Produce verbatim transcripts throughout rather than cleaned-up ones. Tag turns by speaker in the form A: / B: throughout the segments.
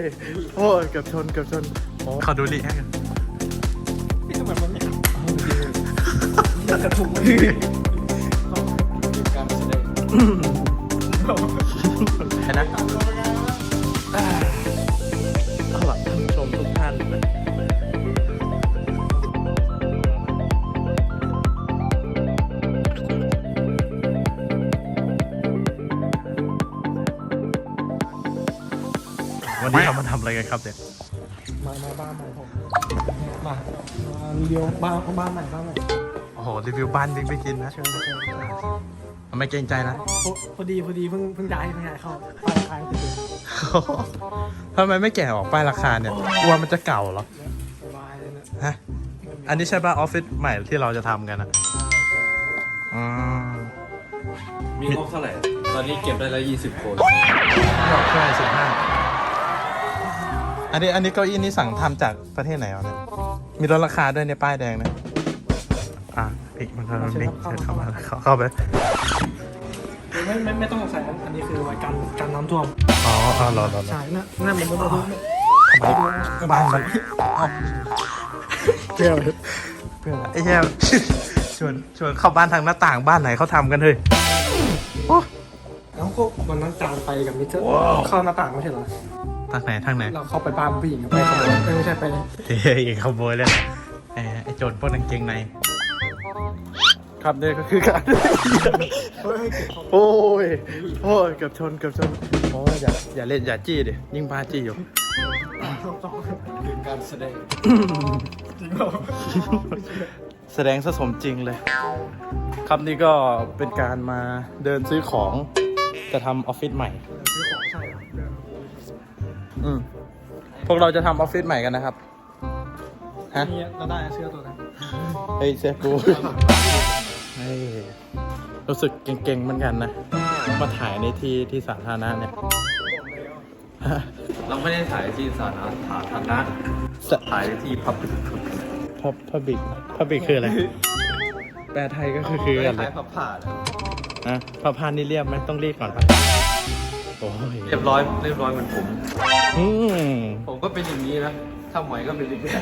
A: โอ้ยเกือบชนเกือบชนขอดูรีแอคกัน
B: นี่ทำไมมันไม่หักมันกระทุกมันการแสดง
A: เห็นนะเอาล่ะท่านผู้ชมทุกท่านนะวันนี้เรามาทำอะไรกันครับเนี่ย
B: มามาบ้านใหม่ผมมามารีวิวบ้านบ้านใหม่บ้านใหม่
A: โอ้โหรีวิวบ้านบิ๊กไปกินนะ
B: เชิญเชิญเชิญ
A: ไม่เกรงใจนะ
B: พอดีพอดีเพิ่งเพิ่งย้ายเพิ่งย้ายเข้าป้ายขายติดเลย
A: ทำไมไม่แกะออกป้ายราคาเนี่ยกลัวมันจะเก่าเหรอ
B: สบายเลยนะ
A: ฮะอันนี้ใช่ป่ะออฟฟิศใหม่ที่เราจะทำกันอะอืม
C: มีงบเท่าไหร่ ตอนนี้เก็บได้แล้วยี่สิบคน
A: ใช่สิบห้าอันนี้อันนี้เก้าอี้นี่สั่งทำจากประเทศไหนวะเนี่ยมีลดราคาด้วยในป้ายแดงนะอ่ะพี่มันก็นี่เชิญเข้ามาเข้าเข้าไป
B: ไม่ไม่ไม่ต้องสงสัยอันนี้คือไว้กันกันน้ำท่วม
A: อ๋ออ๋อรอรอรอ
B: ใช่น่าน่าเหมือนบ้าน
A: บ้านมันเอ้า
B: เพื่อ
A: เพื่อนไอ้แย่ชวนชวนเข้าบ้านทางหน้าต่างบ้านไหนเขาทำกันเฮ้ยโอ้
B: แล้วก็วันนั้นจานไปกับมิเตอร์เข้าหน้าต่างไม่ใช่เหรอ
A: ทางไหนทางไหน
B: เราเข้าไปบ้านผู้หญิงไปขโมยไม่ใช่ไป
A: เฮ้ยขโมยเลยไอ้ไอ้โจรปล้นกางเกงในครับนี่ก็คือการ โอ้ยโอ้ยเกือบชนเกือบชนโอ้ยอย่าอย่าเล่นอย่าจี้ดิยิ่งพาจี้อยู่
C: คือการแสดง
A: แสดงซะสมจริงเลย ครับนี่ก็เป็นการมาเดินซื้อของจะทำออฟฟิศใหม่
B: ซื้อของใช่
A: อืมพวกเราจะทำออฟฟิศใหม่กันนะครับฮะ
B: นี่เราได้เสื้อตัวนั้น
A: เฮ้ยเซฟกูเฮ้ยรู้สึกเก่งๆเหมือนกันนะมาถ่ายในที่ที่สาธารณะเนี่ย
C: เราไม่ได้ถ่ายที่สาธารณะฐานะถ่ายที่พับ
A: พับพับบิกพับบิกคืออะไร แปลไทยก็คือคือ
C: ไม่
A: อะ
C: ได้
A: ไร
C: ถ่ายพับผ่า
A: อ่ะพับพานนี่เรียบไหมต้องรีดก่อนปะโอ้ย
C: เรียบร้อยเรียบร้อยเหมือนผม
A: อืม
C: ผมก็เป็นอย่างนี้นะถ้าหมวยก็เป็นอีกแบบ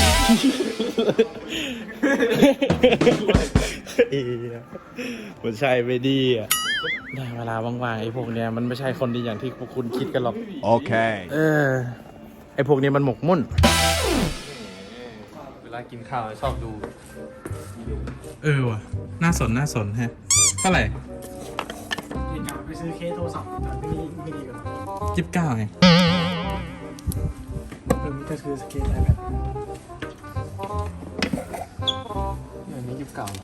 A: เอียมันใช่ไม่ดีอ่ะได้เวลาว่างๆไอ้พวกเนี้ยมันไม่ใช่คนดีอย่างที่พวกคุณคิดกันหรอก
D: โอเค
A: เออไอ้พวกนี้มันหมกมุ่น
C: เวลากินข้าวชอบดู
A: เออว่ะน่าสนน่าสนฮะเท่าไหร่
B: ดีกว่าไปซื้อเคสโทรศัพท์แต่ไม่ดีไม่ดีกัน
A: ยี่สิบเก้าไง
B: เออมิเตอร์ซื้อเคสไอแพด
C: อันนี้ยุคเก่า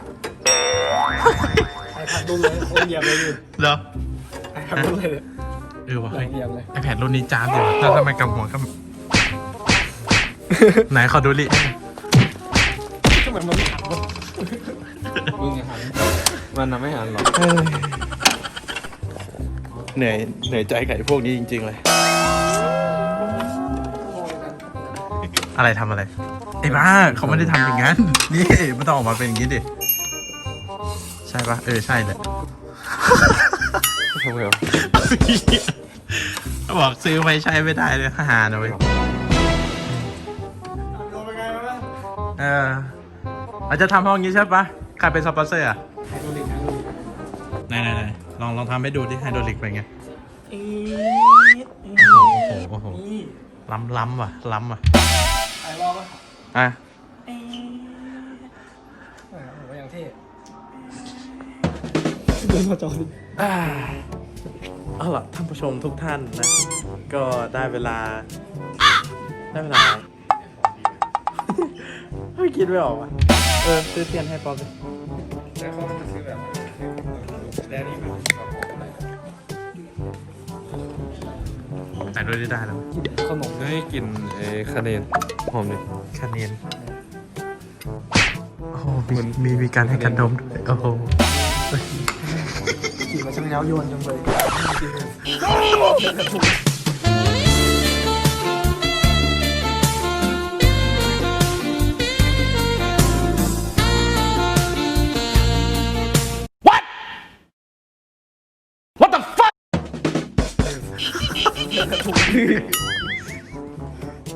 B: ไอแพดรุ่นเลยโอ้ยเยี่ยมเลยอยู่
A: เหรอ
B: ไอแพดรุ่นเลย
A: เออว่ะ
B: เยี่ยมเลย
A: ไอแพดรุ่นนี้จามอยู่แล้วทำไมกำหัวก็ ไหนขอดูลิ
B: ทำไมมันไม่หักวะ
C: มึงอย่าหันมันน่ะไม่หันหรอก
A: เอ้ยเหนื่อยเหนื่อยใจกับไอ้พวกนี้จริงๆเลย อะไรทำอะไรไอ้บ้าเขาไม่ได้ทำอย่างนั้น นี่มันต้องออกมาเป็นอย่างนี้ดิ ใช่ปะเออใช่เลย
C: ทำไมวะ
A: บอกซื้อไม่ใช้ไม่ได้เลยหาหน่อยเออเราจะทำห้องนี้ใช่ปะใครเป็นสปอนเซอร์อ่ะ
B: ไฮโดรลิกไฮโดรลิก
A: ไหนไหนไหนลองลองทำให้ดูดิไฮโดรลิกเป็นไง
B: เอ๊ะ
A: โอ้โหโอ้โห
B: นี่
A: ล้ำล้ำว่ะล้ำว่ะ
B: ไอรอบป่ะ
A: อ่ะ
B: เอ๊ะแหมผมว่าอย่างเท่เดินมาจอดิ
A: อ่าเอาล่ะท่านผู้ชมทุกท่านนะ ก็ได้เวลา ได้เวลา ไม่คิดไม่ออกอ่ะ เออซื้อเทียนให้ปอม
C: แต่เขาจะซื้อแบบแล้วนี่มันแบบอะไร
A: แต่ด้วยได้แล้ว
B: ขนม
C: ให้กลิ่นเอคะแนนหอมดิ
A: คะแนนโอ้โหมีมีมีการให้กันดมด้วยโอ้โห
B: กลิ่นมันช่างเย้ายวนจังเลย
A: เ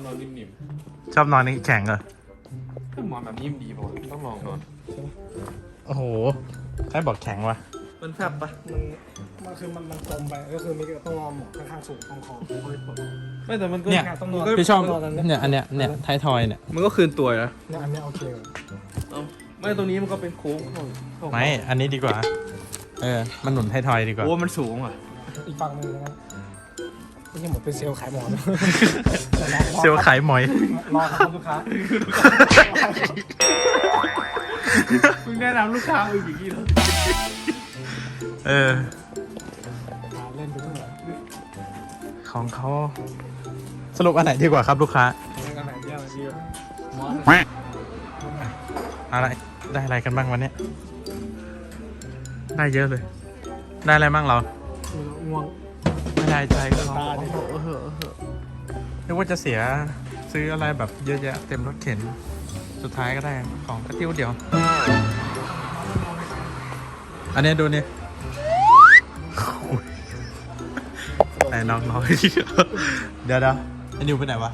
C: นอนนิ่ม
A: ชอบนอนนี่แข็งเหรอ
C: ๆก็หมอนแบบนิ่มดีป่ะต้องลองนอน
A: โอ้โหใครบอกแข็งวะ
C: มันแฟบปะ
B: มันมันคือมันมันกลมไปก็คือมีต้องงอหมอนข้างๆสูงตรงคอเฮ้ยปวด
C: ไม่แต่มันก็
A: เนี่ย
B: ต้องนอน
A: พี่ชอบ
B: นอนอันเนี้ย
A: เนี่ยอันเนี้ยเนี่ยไททอยเนี่ย
C: มันก็คืนตัวนะ
B: เนี่ยอันเนี้ยโอเคเลย
C: เอ้าไม่ตรงนี้มันก็เป็นโค้งเข้าเข้า
A: ไม่อันนี้ดีกว่าเออมันหนุนไททอยดีกว่า
C: โอ้มันสูงอ่ะ
B: อีกฝั่งหนึงนะครับไม่ใช่หมดเป็นเซลล์ขายหมอน
A: เซลล์ขายหมอย
B: รอครับลูกค้า
C: มึงแนะนำลูกค้ามึงอย่างนี้เหรอ
A: เออ
B: อ่าเล่นไปทั่ว
A: ของเขาสรุปอันไหนดีกว่าครับลูกค้า
B: เล่นกันไหนเยอะเยอะ
A: อะไรได้อะไรกันบ้างวันเนี้ยได้เยอะเลย ได้อะไรบ้างเรา
B: ง่วง
A: ไม่ได้ใจก็ร้อง
B: ตาดิ
A: เออเออเออนึกว่าจะเสียซื้ออะไรแบบเยอะแยะเต็มรถเข็น สุดท้ายก็ได้ของกระติ้วเดียว อันนี้ดูนี่โอ้ยไอ้น้องน้อยเดี๋ยวเดี๋ยวไอ้นิวไปไหนวะ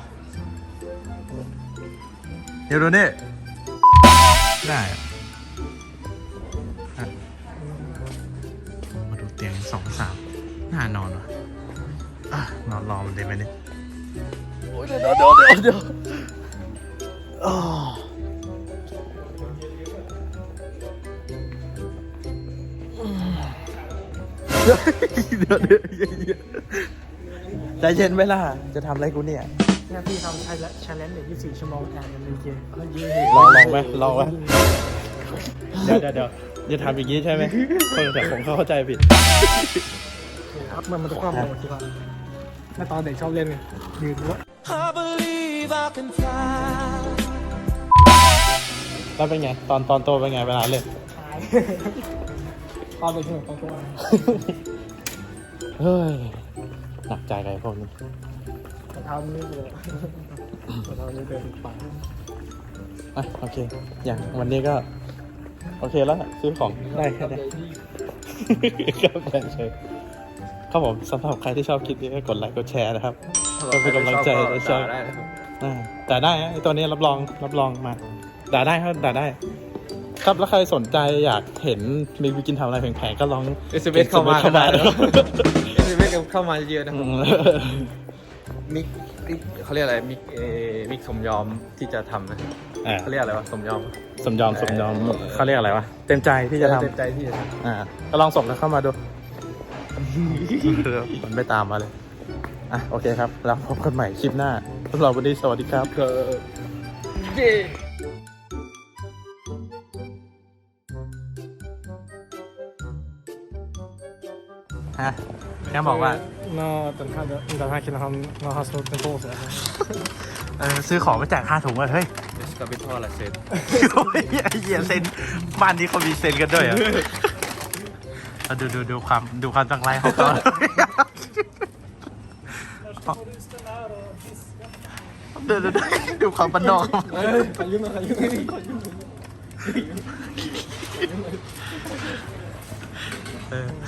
A: เดี๋ยวดูนี่ได้อะอ่ะมาดูเตียงสองสามน่านอนวะอ่ะนอนรอมันได้ไหมเนี่ยโอ้ยเดี๋ยวเดี๋ยวเดี๋ยวเดี๋ยวอ๋อเดี๋ยวเดี๋ยวเดี๋ยวใจเย็นไหมล่ะจะทำอะไรกูเนี่ย
B: เนี่ยพี่ทำใช้และ challenge เด็กยี่สิบสี่ชั่วโมงแทนกันเลยเกม
A: ลองลองไหมลองไหมเดี๋ยวเดี๋ยวเดี๋ยวจะทำอย่างนี้ใช่ไหมคนแต่ผมเข้าใจผิด
B: ครับมันมันจะคว่ำลงที่ว่าเมื่อตอนเด็กชอบเล่นไงยืนว่า
A: แล้วเป็นไง ตอนตอนโตเป็นไงเวลาเล่น
B: ตายตอนเด็กเหนื่อยตอนตัว
A: เฮ้ย หนักใจกับไอ้พวกนี้
B: แต่เท้านี่เลยแต่เท้านี่เดินไป
A: อ่ะโอเค อย่างวันนี้ก็ โอเคแล้วนะซื้อของได้แค่นี้ครับแต่เฉยครับผมสำหรับใครที่ชอบคลิปนี้ก็กดไลค์กดแชร์นะครับ ก็เป็นกำลังใจและชอบ
C: ได้นะครับ
A: อ่าด่าได้นะไอตัวนี้รับรองรับรองมาด่าได้ครับด่าได้ ครับแล้วใครสนใจอยากเห็นมีวิกินทำอะไรแผลงๆก็ลอง
C: เอสเอ็มเอสเข้ามา
A: เข้ามา
C: เอสเอ็มเอสเข้ามาเยอะนะค
A: อื
C: รับ
A: ม
C: มิกมิกเขาเรียกอะไรมิกเอมิกสมยอมที่จะทำนะ
A: อ่า
C: เขาเรียกอะไรวะสมยอม
A: สมยอมสมยอมเขาเรียกอะไรวะเต็มใจที่จะทำ
C: เต็มใจที่จะทำ
A: อ่าก็ลองส่งกันเข้ามาดู มันไม่ตามมาเลย อ่ะ โอเคครับ แล้วพบกันใหม่คลิปหน้าสำหรับวันนี้สวัสดีครับ
C: เออเย้
A: ฮะแค่บอกว่า
B: น่าแต่ถ้าจะแต่ถ้าคิดนะครับน่าฮัสโซเป็นโต้เสีย
A: เออ ซื้อของมาแจกค่าถุงอะเฮ้ย
C: เดสกาเบทอลาเซน
A: โอ้ยไอ้เหี้ยเซ็นบ้านนี้เขามีเซ็นกันด้วยเหรอเอาดูดูดูความดูความตั้งใจของเขาเดี๋ยวเดี๋ยวเดี๋ยวดูความบันนอก
B: เฮ้ยขยุ่งนะขยุ่งนะขยุ่ง
A: เออ